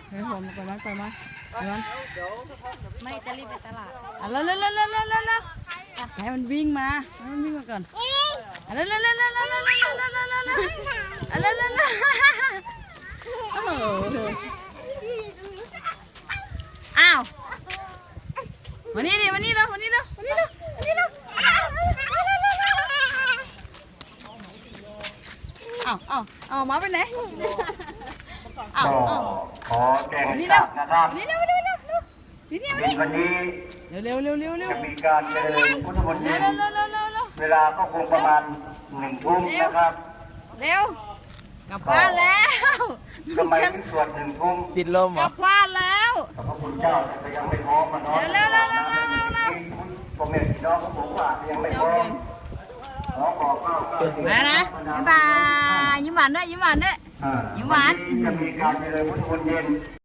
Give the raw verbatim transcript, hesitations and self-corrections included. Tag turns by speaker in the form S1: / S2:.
S1: ไปผมไปมันไปมันไปมัน
S2: ไม่จะรีบไปตลาด
S1: อ่ะเร็วเร็วเร็วเร็วเร็วเร็วเร็วให้มันวิ่งมาให้มันวิ่งมาก่อนอ่ะเร็วเร็วเร็วเร็วเร็วเร็วเร็วเร็วเร็วเร็วเร็วอ่ะเร็วเร็วเร็วโอ้โหอ้าวมานี่ดิมานี่เร็วมานี่เร็วมานี่เร็วมานี่เร็วอ้าวอ้าวอ้าวหมาไปไหนอ้าว
S3: ก็
S1: อ้าว
S3: ขอแจ้ง
S1: มา
S3: ให้
S1: นี่
S3: ท
S1: เร็
S3: ราว บนะครับ
S1: มานี่เร็วมานี่เร็วนี่นี่มา
S3: ใน
S1: นี่
S3: วันนี้
S1: เร็วเร็วเร็วเร็วเร็ว
S3: จะมีการเจริญพุทธมนต์
S1: เร็
S3: เย็
S1: วน เร็วเร็วเร็วเร็วเร็ว
S3: เวลาก็คงประมาณหนึ่งทุ่มนะครับ
S1: เร็วกลับบ้านแล้ว
S3: ทำไมถึงสวดหนึ่งทุ่ม
S4: ติดลมเห
S1: ก
S4: รอ
S1: ลับบ้านแล้ว
S3: ขอบพระคุณเจ้าแต่ยังไม่พร้อมมาเนาะ
S1: เร็วเร็วเร็วเร็วเร็วเร็ว
S3: ผมเห็นพี่น้องของผมว่ายังไม่พร้อมขอบอกเล่าก็
S1: มานะบ๊ายบายยิ้มหวานด้วยยิ้มหวานด้วย
S3: อ่า
S1: ยิ้มหวาน
S3: จะมีการเจริญพุทธมนต์เย็น